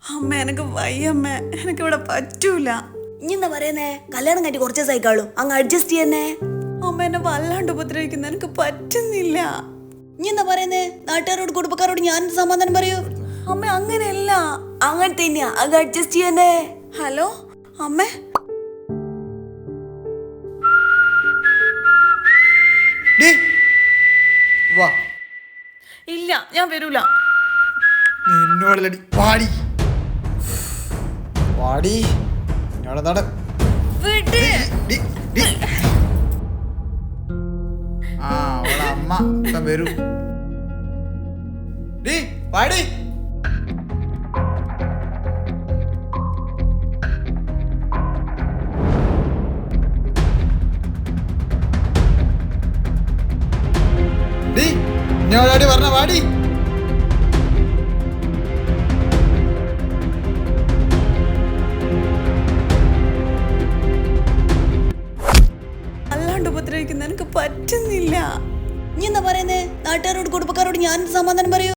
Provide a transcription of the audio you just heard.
അമ്മ എനിക്ക് വയ്യമ്മ, എനിക്കിവിടെ പറ്റൂല. ഇനി എന്താ പറയുന്നേ? കല്യാണം കഴിഞ്ഞ് കുറച്ച് ദിവസമായിക്കാളൂ, അങ്ങ് അഡ്ജസ്റ്റ് ചെയ്യുന്നേ. അമ്മ എന്നെ വല്ലാണ്ട് ഉപദ്രവിക്കുന്ന എനിക്ക് പറ്റുന്നില്ല. ഇനി എന്താ പറയുന്നേ? നാട്ടുകാരോട് കുടുംബക്കാരോട് ഞാൻ സമാധാനം പറയൂ. അമ്മ അങ്ങനെയല്ല, അങ്ങനെ തന്നെയാ, അങ്ങ് അഡ്ജസ്റ്റ് ചെയ്യുന്നേ. ഹലോ അമ്മേ. വാ, ഇല്ല ഞാൻ വരൂല. നിന്നോടല്ലടി പാടി പാടി നട. ആ അവളെ അമ്മ ഇപ്പം വരൂ. ഡി പാടി. ഡി ഇന്നോടാടി പറഞ്ഞ പാടി. വല്ലാണ്ട് ഉപദ്രവിക്കുന്ന എനിക്ക് പറ്റുന്നില്ല. ഇനി എന്താ പറയുന്നേ? നാട്ടുകാരോട് കുടുംബക്കാരോട് ഞാൻ സമാധാനം പറയൂ.